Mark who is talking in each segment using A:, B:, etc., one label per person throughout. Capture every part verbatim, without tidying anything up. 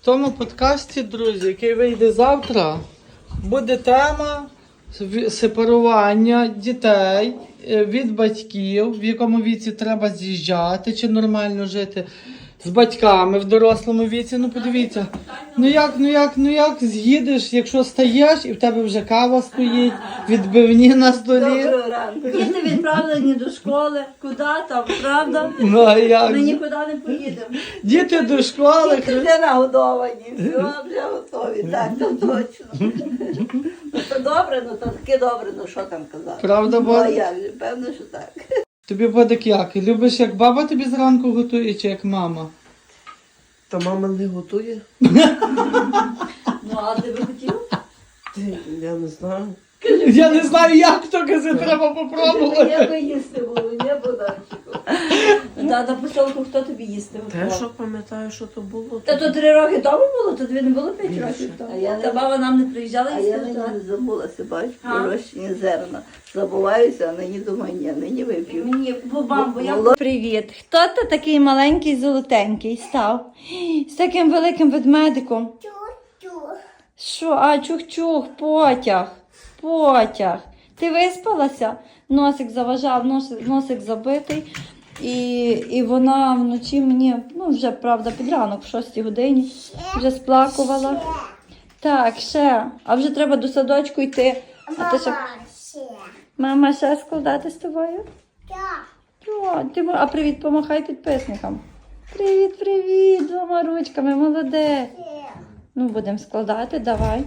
A: тому подкасті, друзі, який вийде завтра, буде тема сепарування дітей від батьків, в якому віці треба з'їжджати, чи нормально жити з батьками в дорослому віці. Ну подивіться, ну як, ну як, ну як з'їдеш, якщо стаєш і в тебе вже кава стоїть, відбивні на столі.
B: Доброго ранку. Діти відправлені до школи. Куди там, правда?
A: Ну, а як?
B: Ми нікуди не поїдемо.
A: Діти до школи.
B: Діти вже нагодовані, все, вже готові. Так, то точно. Ну, то добре, ну то таке добре, ну що там казати.
A: Правда,
B: Ну, а
A: Бодик?
B: як же, певно, що так.
A: Тобі, Бодик, як? Любиш, як баба тобі зранку готує, чи як мама?
C: Та мама не готує.
B: Ну, а ти би хотів?
C: Я не знаю.
A: Я не знаю, як то казати, треба попробувати.
B: Я би їсти було, не Богданчику. Та на поселку хто тобі їсти
C: Те,
B: готував?
C: що пам'ятаю, що то було.
B: Та то три роки тому було, то тобі не було п'ять років тому.
D: А я не-
B: Та баба нам не приїжджала
D: А
B: їсти
D: я нині
B: готувати?
D: не забулася, бачу,
B: А?
D: пророщені зерна. Забуваюся, а нині думаю, ні, нині вип'ю.
B: Мені, бо бабу, я...
D: Воло-
B: Привіт. Хто ти такий маленький золотенький став? З таким великим ведмедиком. Що? А, чух-чух, потяг. Потяг. Ти виспалася? Носик заважав, носик, носик забитий. І, і вона вночі мені, ну вже, правда, під ранок, в шостій годині, вже сплакувала. Так, ще. А вже треба до садочку йти. А ти ще... Мама ще складати з тобою? О, ти, мо- а привіт, помахай підписникам. Привіт, привіт, двома ручками, молодець. Ну, будемо складати, давай.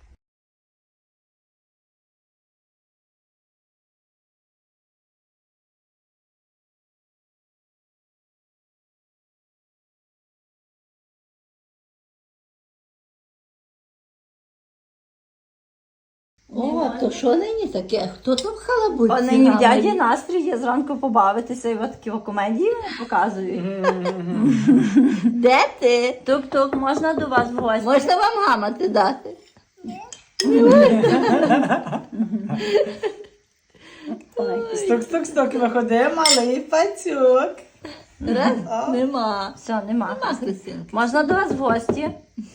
D: О, то що нині таке? Хто там халабуть?
B: О, нині в дяді настрій є зранку побавитися і от такі о комедії показують.
D: Де ти?
B: Тук-тук, можна до вас в гості?
D: Можна вам гамати дати?
A: Стук-стук-стук, виходить малий пацюк.
D: Раз? Нема.
B: Все, нема.
D: Нема, Христинки.
B: Можна до вас в гості?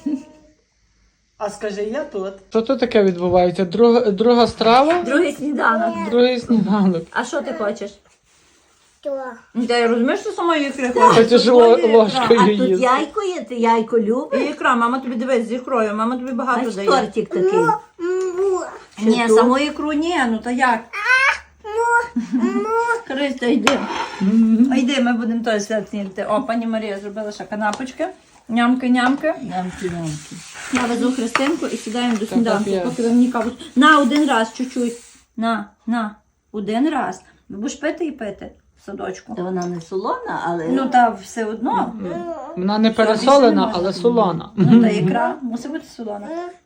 A: А скажи, я тут. Що тут таке відбувається? Друга, друга страва?
B: Другий сніданок.
A: Другий сніданок.
B: А що ти хочеш? Ну, Ти розумієш, що самої ікри хочеш?
A: Хочеш
B: Тут
A: ло-
B: є ікра.
A: ложкою
D: А тут
A: їсти.
D: яйко є, ти яйко любиш?
B: І ікра, мама тобі дивись з ікрою, мама тобі багато
D: Ось
B: дає.
D: тортик такий.
B: Ні,
D: тут?
B: саму ікру ні, ну то як? Христо, йди. А йди, ми будемо той свят снідати. О, пані Марія зробила ще канапочки. Нямки-нямки.
D: Нямки-нямки.
B: Я везу Христинку і сідаємо до сніданку,
A: капець.
B: поки ви мені каву. На, один раз, чуть-чуть. На, на, один раз. Ви будеш пити і пити в садочку.
D: Та вона не солона, але...
B: Ну, та все одно.
A: Вона не
B: більше не
A: пересолена,
B: можна.
A: але солона.
B: Ну, та ікра мусить бути солона.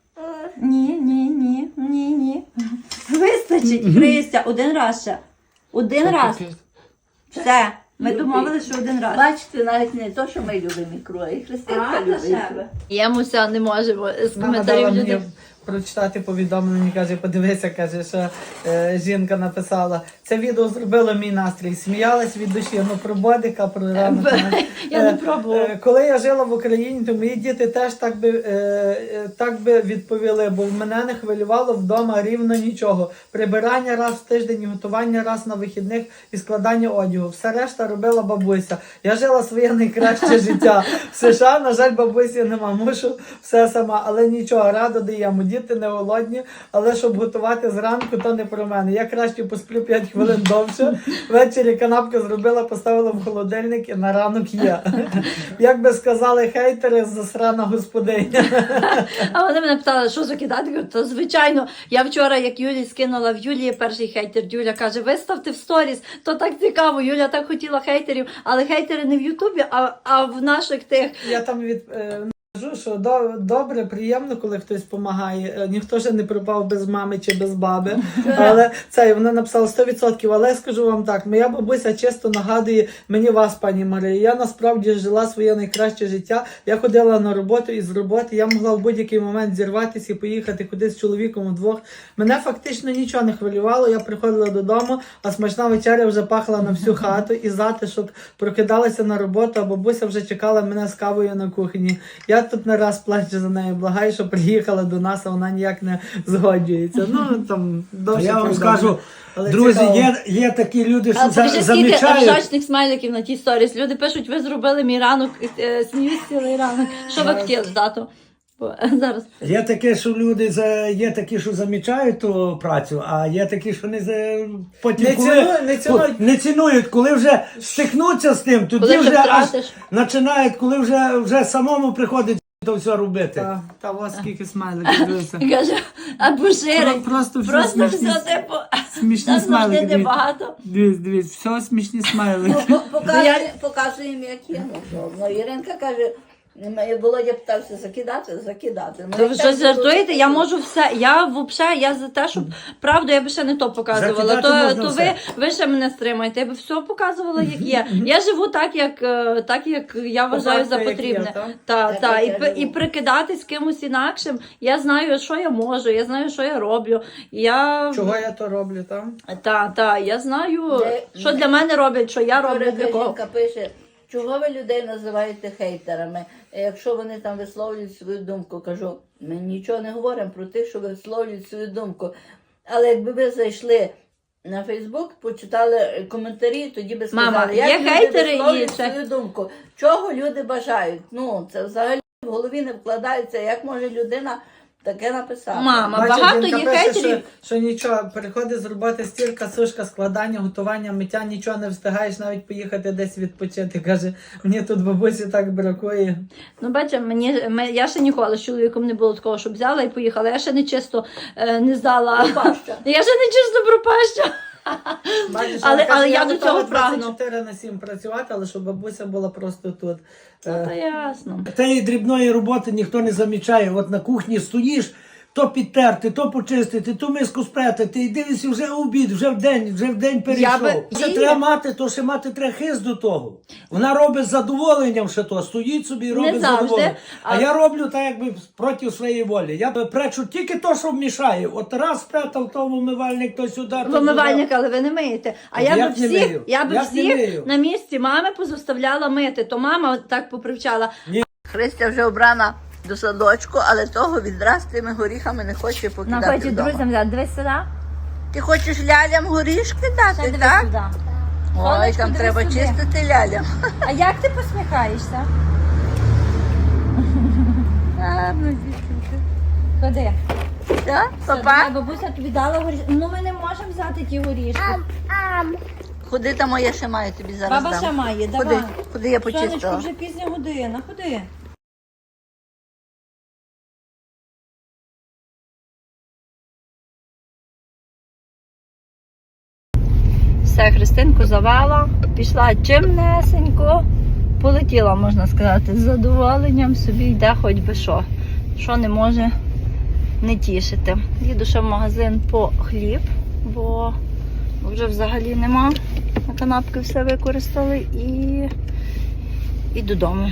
B: Ні, ні, ні, ні, ні. Вистачить, Христя, один раз ще. Один раз. Все. Ми домовилися, що один раз.
D: Бачите, навіть не то, що ми любимо ікру, а і Христинка любить ікру.
B: Ємуся не можемо з
A: Нагадала мені прочитати повідомлення, каже, подивися, каже, що е, жінка написала. Це відео зробило мій настрій. Сміялась від душі, ну про Бодика, про ранок.
B: Я не
A: Е,
B: пробувала.
A: е, Коли я жила в Україні, то мої діти теж так би, е, е, так би відповіли, бо в мене не хвилювало вдома рівно нічого. Прибирання раз в тиждень, готування раз на вихідних і складання одягу. Все решта робила бабуся. Я жила своє найкраще життя. В США, на жаль, бабусі нема. Мушу все сама, але нічого, радо даємо. Діти не голодні, але щоб готувати зранку, то не про мене. Я краще посплю п'ять хвилин довше. Ввечері канапки зробила, поставила в холодильник і на ранок є. Як би сказали хейтери, засрана господиня.
B: А вони мене питали, що закидати? Кажу, то звичайно. Я вчора, як Юлі скинула в Юлії перший хейтер, Юля каже, виставте в сторіс, то так цікаво. Юля так хотіла хейтерів, але хейтери не в Ютубі, а, а в наших тих.
A: Я там від... е, Кажу, що до, добре, приємно, коли хтось допомагає. Ніхто ж не пропав без мами чи без баби. Але це, вона написала сто відсотків. Але я скажу вам так, моя бабуся чисто нагадує мені вас, пані Марія. Я насправді жила своє найкраще життя. Я ходила на роботу і з роботи. Я могла в будь-який момент зірватися і поїхати кудись з чоловіком вдвох. Мене фактично нічого не хвилювало. Я приходила додому, а смачна вечеря вже пахла на всю хату. І затишок прокидалася на роботу, а бабуся вже чекала мене з кавою на кухні. Я тут не раз плаче за нею, благає, що приїхала до нас, а вона ніяк не згоджується. Ну, там,
E: А
A: довше
E: я вам
A: повідомлення.
E: скажу,
A: Але
E: друзі,
A: цікаво.
E: є, є такі люди, що
B: А
E: за,
B: покажи, скільки
E: замічають.
B: ржачних смайликів на тій сторіс. Люди пишуть, ви зробили мій ранок, е, сміюсь цілий ранок. Що ви хотіли, тату? Бо зараз.
E: Є таке, що люди за є такі, що замічають ту працю, а є такі, що не за потім
A: Не
E: коли,
A: цінують, не цінують.
E: ко- не цінують, коли вже стикнуться з тим, тоді
B: Коли вже
E: вже аж
B: втратиш.
E: починають, коли вже, вже самому приходить то все робити.
A: Та, та ось скільки смайликів, дивися.
B: Каже, або ширий.
A: Про- просто все
B: Просто
A: смішні-
B: все, типу,
A: Смішні
B: там завжди
A: смайлики. дивіться.
B: небагато.
A: Дивись, дивись, все смішні смайлики.
D: Показуємо, показуємо, як є. Ну, що. Ну, Іринка каже, «М, Володя питався закидати, закидати. Ну,
B: То
D: як
B: ви
D: так
B: щось жартуєте?
D: було,
B: Я
D: то-
B: можу все. Я взагалі, я за те, щоб правду, я би ще не то показувала.
E: Закидати
B: То,
E: можна
B: то ви,
E: все.
B: ви ще мене стримаєте. Я би все показувала, як є. Я живу так, як, е, так, як я вважаю за
A: Факти, як є,
B: потрібне.
A: так?
B: Та,
D: Так,
B: та,
D: як
B: і,
D: я
B: пи-
D: живу.
B: і прикидатись кимось інакшим. Я знаю, що я можу, я знаю, що я роблю. Я
A: Чого я то роблю, там?
B: та, та, я знаю,
D: Де-
B: що для мене роблять, що я роблю
D: Вчора
B: для кого.
D: жінка пише, чого ви людей називаєте хейтерами, якщо вони там висловлюють свою думку. Кажу, ми нічого не говоримо про тих, що висловлюють свою думку. Але якби ви зайшли на Фейсбук, почитали коментарі, тоді би сказали,
B: Мама,
D: як
B: є
D: люди
B: хейтери і
D: висловлюють
B: це-
D: свою думку. Чого люди бажають? Ну, це взагалі в голові не вкладається, як може людина таке написати.
B: Мама,
A: Бачиш,
B: багато
A: жінка
B: є
A: пише,
B: хейтерів.
A: Що, що нічого, приходить з роботи стірка, сушка, складання, готування, миття, нічого не встигаєш навіть поїхати десь відпочити. Каже, мені тут бабусі так бракує.
B: Ну, бачите, мені, ми, я ще ніколи з чоловіком не було такого, щоб взяла і поїхала. Я ще не чисто е, не здала.
D: Пропаща.
B: Я ще не чисто пропаща.
A: Бачиш,
B: Але-
A: вона каже,
B: але я до
A: готова
B: цього прагну.
A: двадцять чотири на сім працювати, але щоб бабуся була просто тут. Е,
B: Та ясно.
E: Тієї дрібної роботи ніхто не замічає. От на кухні стоїш, то підтерти, то почистити, то миску спретити, і дивишся, вже обід, вже в день, вже в день перейшов.
B: би-
E: Ще
B: Ні.
E: треба мати, то ще мати треба хист до того. Вона робить з задоволенням ще то, стоїть собі і робить з
B: завжди,
E: задоволенням. А,
B: а-
E: я роблю так, якби проти своєї волі. Я пречу тільки то, що мішає. От раз спретав то в умивальник, то сюди, то
B: Вимивальник, але ви не миєте. А
E: Я
B: я би
E: б не
B: всіх,
E: мию.
B: я би
E: Я б не
B: всіх
E: мию.
B: на місці мами позаставляла мити. То мама так попривчала.
D: Христя вже обрана до садочку, але того відра з тими горіхами не хоче покидати
B: Находять
D: вдома.
B: друзям, да, дивись сюди.
D: Ти хочеш лялям горішки дати,
B: Дивись
D: так?
B: сюди.
D: Ой,
B: Сонечко,
D: там
B: дивись
D: треба
B: сюди.
D: чистити лялям.
B: А як ти посміхаєшся? Гарно, дівчинка. Ходи.
D: Так,
B: Все,
D: папа?
B: давай, бабуся тобі дала горішки. Ну ми не можемо взяти ті горішки.
D: Ходи там, я ще маю тобі зараз
B: Баба
D: дам.
B: ще має,
D: Ходи,
B: давай.
D: ходи, я
B: Сонечко,
D: почистила.
B: вже пізня година, ходи. Все, Христинку завела, пішла чимнесенько, полетіла, можна сказати, з задоволенням, собі йде хоч би що, що не може не тішити. Їду ще в магазин по хліб, бо бо вже взагалі нема. На канапки все використали і, і додому.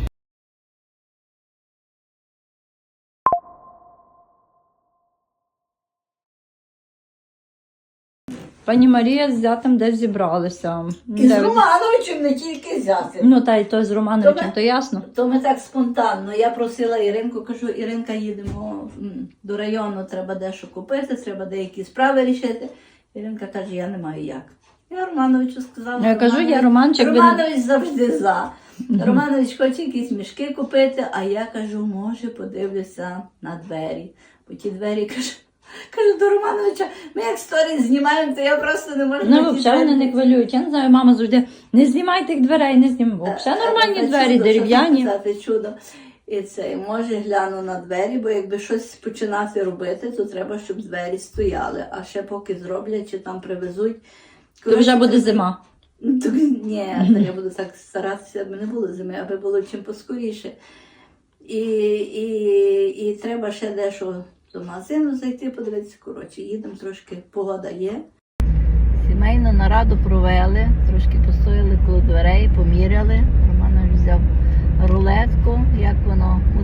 B: Пані Марія з зятем десь зібралися.
D: І з
B: Де-
D: Романовичем не тільки взяти.
B: Ну, та й то з Романовичем,
D: Добре.
B: то ясно.
D: То ми так спонтанно. Я просила Іринку, кажу, Іринка, їдемо м, до району, треба дещо купити, треба деякі справи рішити. Іринка каже, я не маю як. Я Романовичу сказала.
B: Я кажу,
D: Романович-
B: я Романчик, ви-
D: Романович завжди за. Романович хоче якісь мішки купити, а я кажу, може, подивлюся на двері. Бо ті двері кажу, кажу до Романовича, ми як сторіс знімаємо, то я просто не можу. на
B: Ну,
D: ті
B: взагалі вони
D: двері».
B: не хвилюють. Я не знаю, мама завжди, не знімай тих дверей, не знімай. Взагалі нормальні
D: Та
B: двері,
D: чудо,
B: дерев'яні.
D: що там казати, чудо. І це, може гляну на двері, бо якби щось починати робити, то треба, щоб двері стояли. А ще поки зроблять чи там привезуть.
B: То вже буде зима.
D: Ну, то, ні, то я буду так старатися, аби не було зими, аби було чим поскоріше. І, і, і треба ще дещо до магазину зайти, подивитися. Коротше, їдемо трошки, погода є. Сімейну нараду провели, трошки постояли коло дверей, поміряли. Романович взяв рулетку, як воно буде краще.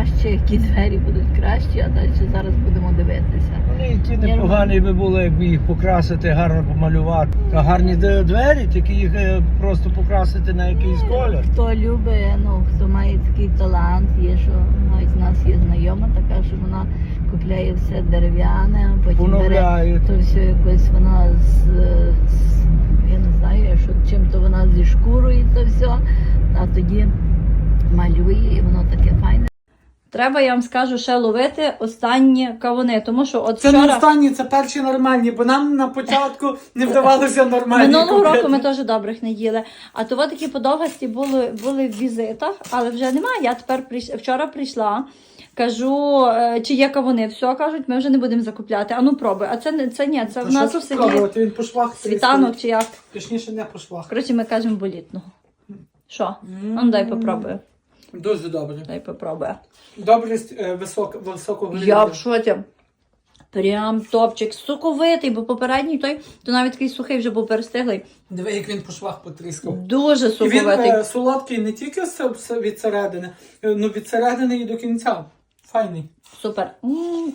D: краще, які двері будуть кращі, а далі зараз будемо дивитися.
E: Вони які непогані би було, якби їх покрасити, гарно помалювати. А гарні д- двері, тільки їх е, просто покрасити на якийсь колір.
D: Хто любить, ну хто має такий талант, є що навіть в нас є знайома така, що вона купляє все дерев'яне, а потім бере
E: Поновляють.
D: то все якось вона з, з я не знаю, що чим то вона зі шкурою то все, а тоді малює і воно таке файне.
B: Треба, я вам скажу, ще ловити останні кавуни, тому що от
A: Це не
B: вчора...
A: останні, це перші нормальні, бо нам на початку не вдавалося нормальні
B: Минулого
A: купити.
B: року ми теж добрих не їли. А то от такі подовгасті були, були в візитах, але вже немає. Я тепер прийш... вчора прийшла, кажу, е, чи є кавуни. Все, кажуть, ми вже не будемо закупляти. А ну пробуй. А це, не- це ні, це
A: А
B: в нас
A: що
B: у
A: тут
B: селі
A: пробувати? Він по швах
B: світанок чи як.
A: Точніше, не по швах.
B: Коротше, ми кажемо болітного. Що? А ну дай попробую.
A: Дуже добре.
B: Дай попробую.
A: Добрість е, висок, високого
B: Я
A: рівня.
B: в шоці. Прям топчик. Соковитий, бо попередній той, то навіть такий сухий вже був перестиглий.
A: Диви, як він по швах потріскав.
B: Дуже
A: І він
B: соковитий.
A: е, солодкий не тільки з- з- від середини, е, ну від середини і до кінця. Файний.
B: Супер. М.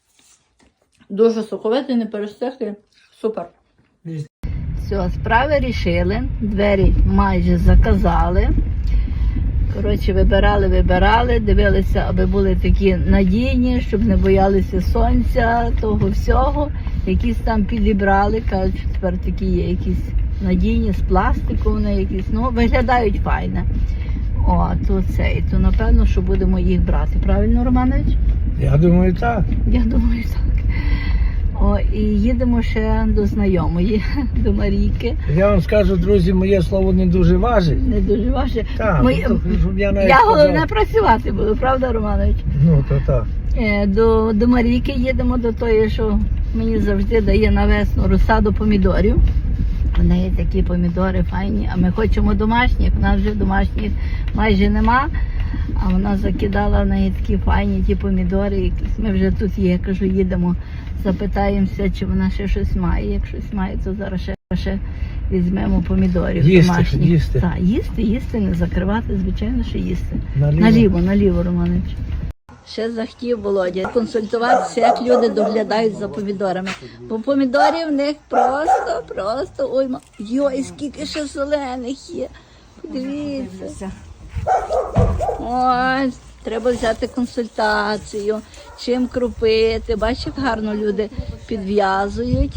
B: Дуже соковитий, не перестиглий. Супер.
D: Все, справи рішили, двері майже заказали. Коротше, вибирали, вибирали, дивилися, аби були такі надійні, щоб не боялися сонця, того всього. Якісь там підібрали, кажуть, що тепер такі є якісь надійні, з пластику вони якісь, ну, виглядають файно. О, то цей, то напевно, що будемо їх брати. Правильно, Романович?
E: Я думаю, так.
D: Я думаю, так. О, і їдемо ще до знайомої, до Марійки.
E: Я вам скажу, друзі, моє слово не дуже важить.
D: Не дуже важче.
E: Так,
D: Ми-
E: ну, то, щоб я навіть
D: Я
E: сказав.
D: головне працювати буду, правда, Романович?
E: Ну, то так.
D: Е, До, до Марійки їдемо, до тої, що мені завжди дає на весну розсаду помідорів. У неї такі помідори файні, а ми хочемо домашніх, в нас вже домашніх майже нема. А вона закидала в неї такі файні ті помідори, якісь. Ми вже тут є, кажу, їдемо, запитаємося, чи вона ще щось має. Як щось має, то зараз ще, ще візьмемо помідорів
E: Їсти,
D: домашніх.
E: їсти.
D: Так, їсти, їсти, не закривати, звичайно, що їсти.
E: Наліво.
D: Наліво, наліво, Романович. Ще захотів Володя консультуватися, як люди доглядають за помідорами. Бо помідорів в них просто, просто, ой, ма- йой, скільки ще зелених є. Подивіться. Ой, треба взяти консультацію, чим крупити. Бачиш, як гарно люди підв'язують.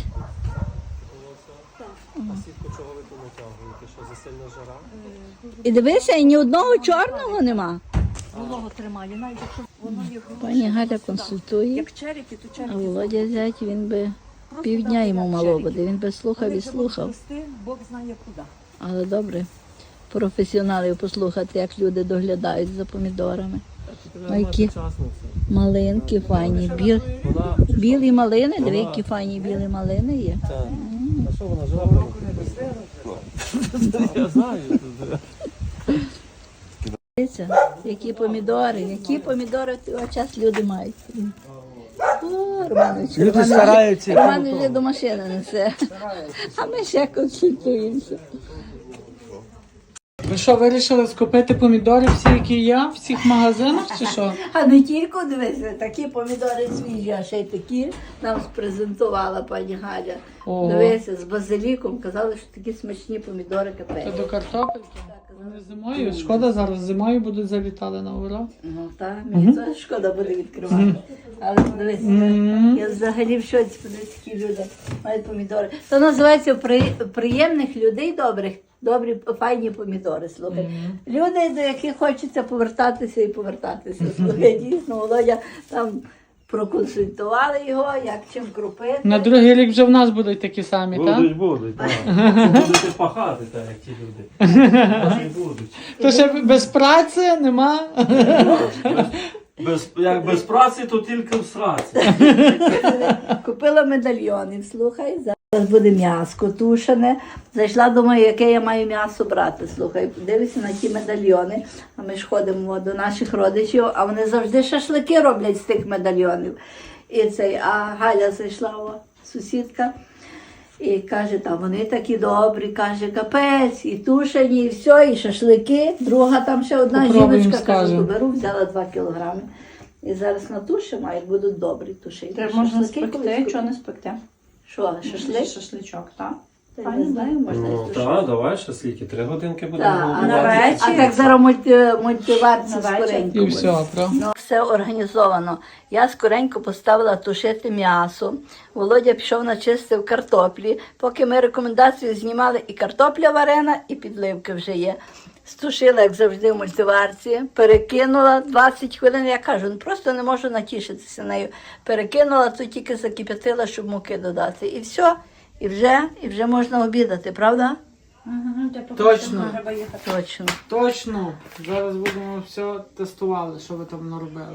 D: І дивися, і ні одного чорного нема.
B: Волого тримає, навіть якщо воно є
D: Пані Галя консультує,
B: як черіки, то
D: а
B: черіки.
D: Володя зять, він би півдня йому мало буде, він би слухав і слухав.
B: Бог знає куди.
D: Але добре, професіоналів послухати, як люди доглядають за помідорами. А які малинки файні, біл... білі малини, диви, які файні білі малини є. Дивіться, які помідори, які помідори в цей час люди мають. О, Романович,
E: Люди
D: Романович,
E: стараються.
D: Романович вже до машини несе, а ми ще консультуємося.
A: Ви що, вирішили скупити помідори всі, які є, в всіх магазинах, чи що?
D: А не тільки, дивися, такі помідори свіжі, а ще й такі нам спрезентувала пані Галя.
A: Ого.
D: Дивися, з базиліком, казали, що такі смачні помідори
A: Це
D: капець.
A: до картопельки? Вони зимою. Шкода, зараз зимою будуть залітали на ура.
D: Ну так, мені теж шкода буде відкривати. Але подивися, я взагалі в шоці, подивися, які люди мають помідори. Це називається при, приємних людей добрих, добрі, файні помідори, слухай. Люди, до яких хочеться повертатися і повертатися. Слухай, дійсно, Володя там проконсультували його, як чим крупити.
A: На другий рік вже в нас будуть такі самі, так?
F: Будуть, будуть, так. Будете пахати, так, як ті люди. Вони будуть.
A: То ще без праці нема.
F: Без, як без праці, то тільки в сраці.
D: Купила медальйонів, слухай, зараз буде м'ясо тушене. Зайшла, думаю, яке я маю м'ясо брати, слухай, дивися на ті медальйони. А ми ж ходимо до наших родичів, а вони завжди шашлики роблять з тих медальйонів. І цей, а Галя зайшла, о, сусідка, І каже, та вони такі добрі, каже, капець, і тушені, і все, і шашлики. Друга там ще одна
A: Попробуємо,
D: жіночка, каже,
A: скажемо.
D: то беру, взяла два кілограми. І зараз натушимо, як будуть добрі тушені.
B: Треба можна
D: Шашлики
B: спекти,
D: колись
B: чого не спекти.
D: Що, шашлик?
B: Шашличок, так?
D: Та не знаю, можна
F: Ну
D: і
F: так, давай шаслики, три годинки будемо
D: Так, а,
F: готувати.
B: на вечір.
D: а так зараз мульти, мультиварці
B: На
D: скоренько.
B: вечір.
A: І
D: буде.
A: все, правда?
D: Ну, все організовано. Я скоренько поставила тушити м'ясо. Володя пішов начистив картоплі. Поки ми рекомендацію знімали, і картопля варена, і підливки вже є. Стушила, як завжди, в мультиварці, перекинула двадцять хвилин. Я кажу, ну просто не можу натішитися нею. Перекинула, то тільки закип'ятила, щоб муки додати. І все, і вже, і вже можна обідати, правда?
A: Точно.
B: Треба їхати.
D: Точно.
A: Точно. Зараз будемо все тестували, що ви там наробили.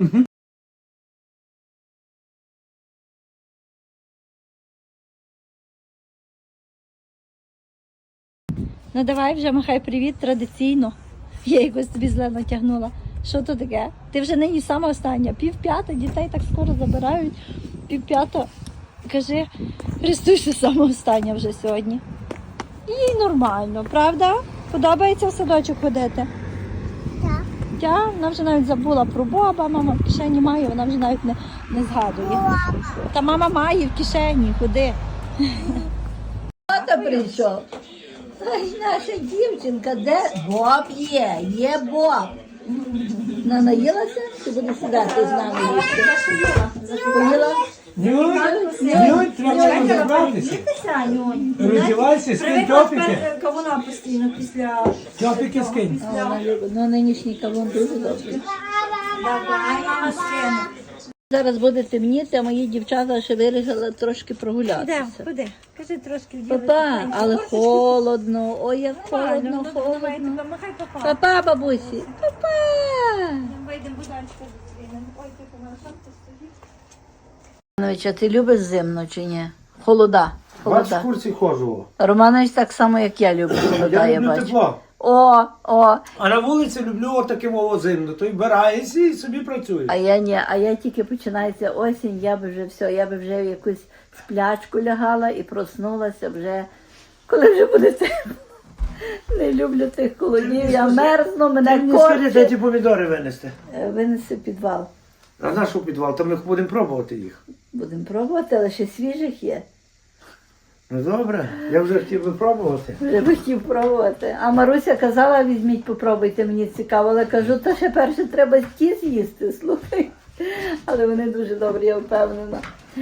B: Ну давай вже махай привіт традиційно. Я якось тобі зле натягнула. Що то таке? Ти вже нині сама остання. Пів п'ята, дітей так скоро забирають. Пів п'ята. Кажи, Христуся сама остання вже сьогодні. Їй нормально, правда? Подобається в садочок ходити? Так. Так? Вона вже навіть забула про Боба, мама в кишені має, вона вже навіть не, не згадує. Та мама має в кишені, ходи.
D: Тато прийшов. Ай, наша дівчинка, де Боб є? Є Боб. Не наїлася? Чи буде сідати з нами їсти? Поїла?
E: Нюнь, треба розібратися. Роздівайся, скинь топіки.
B: Кавуна постійно після...
E: Топіки скинь.
D: А, вона любить. Ну, нинішній кавун дуже добрий.
B: Давай, мама, скину.
D: Зараз буде темніти, а мої дівчата ще вирішили трошки
B: Де?
D: прогулятися.
B: Куди? Кажи трошки вділи.
D: Папа, але холодно. Ой, як холодно, холодно.
B: Махай папа.
D: Папа, бабусі. Папа.
B: Вийдемо будальська зустрінемо. Ой, ти помила, там ти стоїть.
D: Романович, а ти любиш зимно чи ні? Холода.
E: Бач, в
D: Холода.
E: курсі ходжу.
D: Романович так само, як я люблю холода,
E: Я
D: я
E: люблю
D: бачу.
E: тепло.
D: О, о,
E: А на вулиці люблю отаким зимно. То й вбираєшся і собі працюєш.
D: а я ні, а я тільки починається осінь, я би вже все, я би вже в якусь сплячку лягала і проснулася вже, коли вже буде тепло. Не люблю тих холодів, я мерзну,
E: Ти
D: мене
E: мені скажи, де
D: корчить.
E: ті помідори винести.
D: Е, Винеси в підвал.
E: А наш у підвал, то ми будемо пробувати їх.
D: Будемо пробувати, але ще свіжих є.
E: Ну добре, я вже хотів би пробувати.
D: Вже би хотів пробувати. А Маруся казала, візьміть, попробуйте, мені цікаво. Але кажу, та ще перше треба ті з'їсти, слухай. Але вони дуже добрі, я впевнена.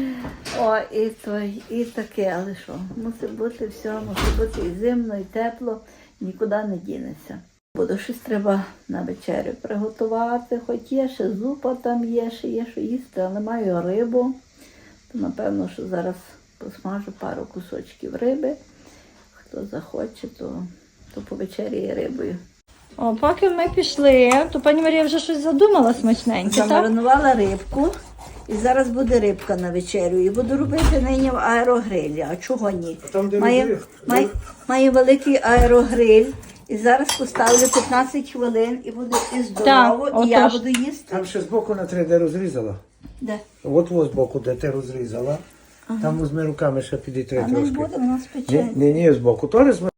D: О, і той, і таке, але що, мусить бути все, мусить бути і зимно, і тепло, нікуди не дінеться. Буду щось треба на вечерю приготувати, хоч є ще зупа там є, ще є що їсти, але маю рибу. То напевно, що зараз посмажу пару кусочків риби. Хто захоче, то, то повечеряє рибою.
B: О, поки ми пішли, то пані Марія вже щось задумала смачненьке, так?
D: Замаринувала рибку, і зараз буде рибка на вечерю. І буду робити нині в аерогрилі. А чого ні?
E: там, де
D: Має,
E: розрив,
D: має, має великий аерогриль. І зараз поставлю п'ятнадцять хвилин і буде і здорово,
B: Так,
D: і я
B: отож.
D: буду їсти.
E: Там ще збоку на три, де розрізала.
D: Де?
E: От ось збоку, де ти розрізала. Там візьми руками ще підітри
D: А не
E: трошки.
D: буде, вона
E: Ні,
D: спече.
E: ні, ні, збоку. То розмі-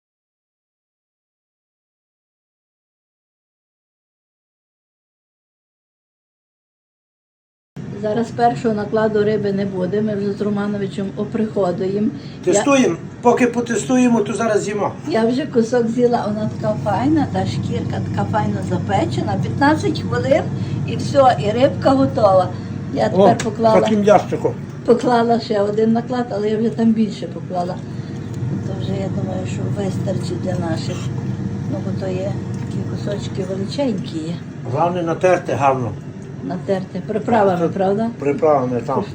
D: Зараз першого накладу риби не буде, ми вже з Романовичем оприходуємо. Я,
E: Тестуємо. Поки потестуємо, то зараз з'їмо.
D: я вже кусок з'їла, вона така файна, та шкірка така файно запечена. п'ятнадцять хвилин і все, і рибка готова. Я тепер поклала,
E: таким ящиком.
D: поклала ще один наклад, але я вже там більше поклала. То вже я думаю, що вистачить для наших. Ну, бо то є такі кусочки величенькі є.
E: Головне натерти гарно.
D: Натерти приправами, правда?
E: Приправами там.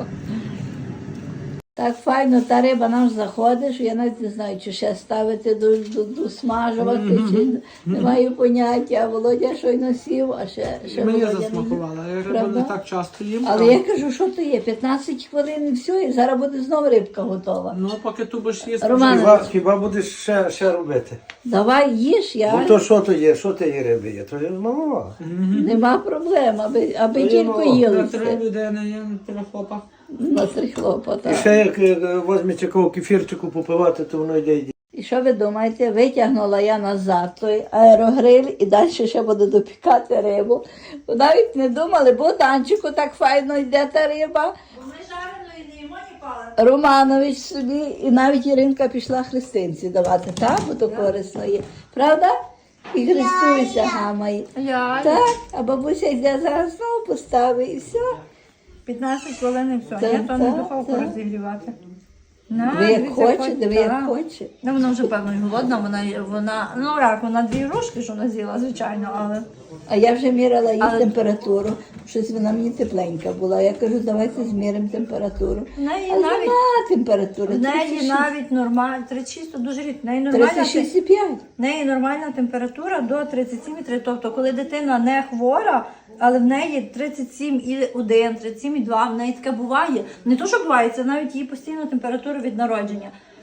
D: Так файно, та риба нам заходить, що я навіть не знаю, чи ще ставити до, до, до смажувати, чи не маю поняття. А Володя щойно сів, а ще, ще
A: Мені
D: Володя не їв.
A: засмакувала. Я рибу
D: Правда?
A: не так часто їм.
D: Але я кажу, що то є? п'ятнадцять хвилин і все, і зараз буде знову рибка готова.
A: Ну, поки ти будеш їсти.
D: Роман,
E: Хіба, хіба будеш ще, ще робити?
D: давай їж, я
E: Бо то що то є, що то є риби є? То є малова.
D: нема проблем, аби, аби
E: Ну,
D: тільки
E: ну,
D: їли.
A: На
D: все.
A: три людини є, на три хлопа.
D: Настрій хлопота.
E: І ще як е, возьмеш якого кефірчику попивати, то воно йде.
D: І що ви думаєте? Витягнула я назад той аерогриль і далі ще буду допікати рибу. Бо навіть не думали, бо танчику так файно йде та риба.
B: Бо ми жареної не їмо ні палати.
D: Романович собі, і навіть Іринка пішла христинці давати, так? Бо то корисно є. Правда? І хрестується гамає.
B: Я
D: Так, а бабуся йде зараз знову поставить і все.
B: п'ятнадцять хвилин і все.
D: Так,
B: Я то не
D: так,
B: духовку
D: так.
B: розігрівати. На,
D: Ви як
B: дивіться,
D: хочете, ви як
B: так.
D: хочете.
B: Ну, вона вже певно і голодна, вона, вона, ну як, вона дві рожки, що вона з'їла, звичайно, але
D: А я вже міряла їй
B: Але-
D: температуру. Щось вона мені тепленька була. Я кажу, давайте зміримо температуру.
B: в неї
D: Але
B: навіть,
D: нема температури.
B: в неї навіть нормальна, тридцять шість, то дуже рідко, в неї
D: тридцять
B: нормальна,
D: шість і п'ять.
B: в неї нормальна температура до тридцять сім і три, тобто коли дитина не хвора, але в неї тридцять сім і один, тридцять сім і два, в неї таке буває. Не то, що буває, це навіть її постійна температура від народження.